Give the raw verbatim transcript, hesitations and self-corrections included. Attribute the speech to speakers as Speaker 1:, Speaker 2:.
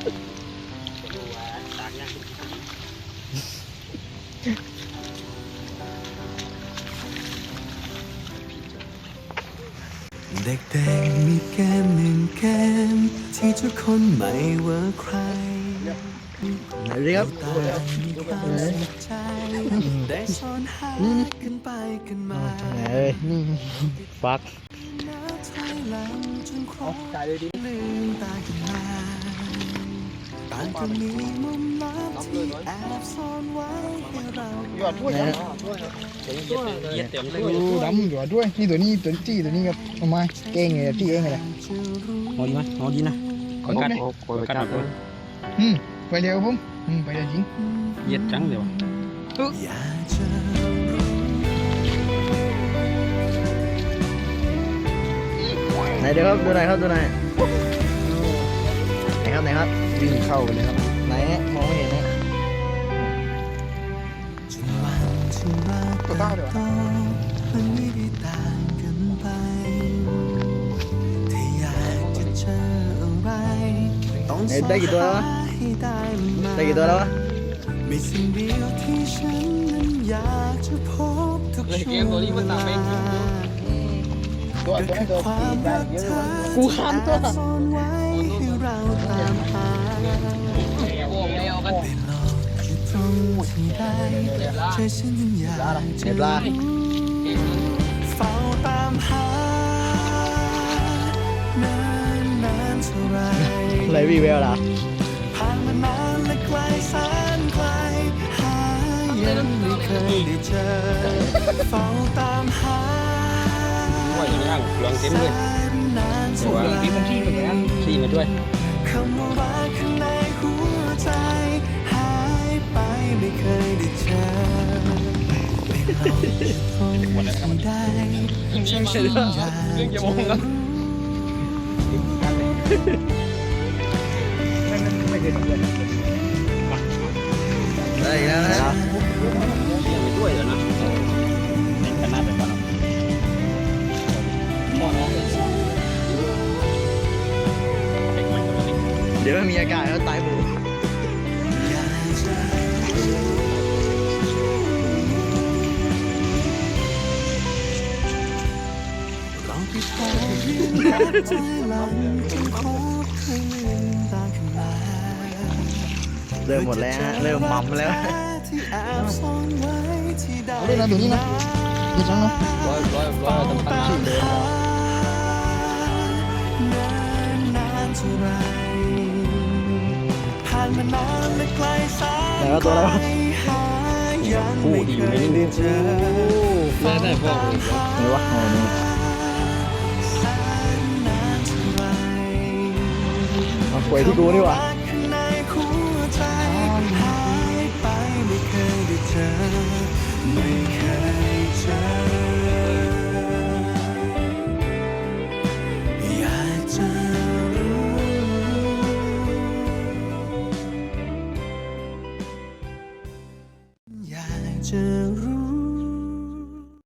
Speaker 1: ดูว่าตากยัง
Speaker 2: เด็กๆมีเกมหนึ่งเกมที่ทุกคนไม่ว่าใคร
Speaker 3: ไหนดีครับ
Speaker 2: ต่างมีความสนใจได้ซ่อนหากันไปกันมา
Speaker 3: ไหนเอ้ยฟัก
Speaker 2: นับถอยหลังจนครบลืมตาขึ้นมาต่างก็มีมุมลับที่แอบซ่อนไว้ให้เรา
Speaker 4: หยอดถ้วยครับ
Speaker 1: เย็ดเต็มเลย
Speaker 4: ดูดำหยอดด้วยนี่ตัวนี้ตัวจี้ตัวนี้ครับเอามาเก่งเลยจี้เองเลย
Speaker 1: หอดีไหมหอดีนะ
Speaker 4: ขอกัด
Speaker 1: ขอกัดเลย
Speaker 4: อืมไปเร็วผมอืมไปเร็วจริง
Speaker 1: เย็ดจังเดี๋ยว
Speaker 2: อยากจะรู้
Speaker 3: ไหนเดี๋ยวครับดูหน่อยครับดูหน่อยไหนครับไหนครับ
Speaker 4: วิ่งเข้าไปเลยครับ
Speaker 3: ไหนมองไม่เห็นนะ
Speaker 2: จนวันที่เราเติบโตมันไม่ได้ต่างกันไปถ้าอยากจะเจออะไรต้อง
Speaker 3: ไหนได้กี่ตัวแล้ววะ
Speaker 2: ให้ได้มา
Speaker 3: ได้กี่ตัวแล้ววะ
Speaker 2: มีสิ่งเดียวที่ฉันนั้นอยากจะพบทุกช่วงเวลา
Speaker 4: ตัว
Speaker 2: ก็
Speaker 4: ตัว
Speaker 2: คือ
Speaker 4: นี้ตัว
Speaker 2: ความ
Speaker 4: ได้
Speaker 2: รัก
Speaker 4: เยอะ
Speaker 2: เธ
Speaker 4: เล
Speaker 2: อย
Speaker 4: กูข้ามตัว
Speaker 2: ที่แอบซ่อนไว้ให้เราตามหาในโลกที่ตรงที่ใดใจฉันยังอยากจะ
Speaker 3: เห็นปลา
Speaker 2: เฝ้าตามหานานนานเท่าไร
Speaker 3: อะไรวีแววล่ะ
Speaker 2: ผ่านมานานและไกลแสนไกลหายังไม่เคยได้เจอเฝ้าตามหา
Speaker 1: ว่าอย่างย่างหลวงเต็มเลย
Speaker 2: นานเท่าไร
Speaker 1: ขี่มาด้วย
Speaker 2: คำว่ารักข้างในหัวใจหายไปไม่เคยได้เจอไม่เราจะทนที่ได้ใจฉันอยากจะรู้
Speaker 4: ไม่เคยทำเลย
Speaker 3: ได้อีกแล้วนะ
Speaker 1: ขี่มาด้วยแล้วนะในขนาดแบบนั้นพ่อน้องเลย
Speaker 3: เดี๋ยวไม่มีอากาศแล้วตายหมู
Speaker 2: อยากจะลองไปพบเรื่องรักใจหลังจนครบคืนตาขึ้นมา
Speaker 3: เริ่มหมดแล้วฮะเริ่มมัมแล้ว
Speaker 2: ที่แอบซ่อนไว้ที่ใด
Speaker 4: เอาด้วยนะตัวนี้นะเยอะจังเนาะ
Speaker 1: ร้อยร้อยร้อยตำพันชื่อเดิม
Speaker 2: นานนานเท่าไรผ่านมานานและไกลแสน
Speaker 3: ไหนวะตัวอะไรวะ
Speaker 2: หายังไม่เคยได้เจอ
Speaker 1: ได้ได้พ่อ
Speaker 3: ไหนวะอ๋อนี่
Speaker 2: แสนนานเท่าไร
Speaker 3: มาป่วยที่กูนี่หว่า
Speaker 2: รักข้างในหัวใจหายไปไม่เคยได้เจอไม่เคยเจออยากจะรู้อยากจะ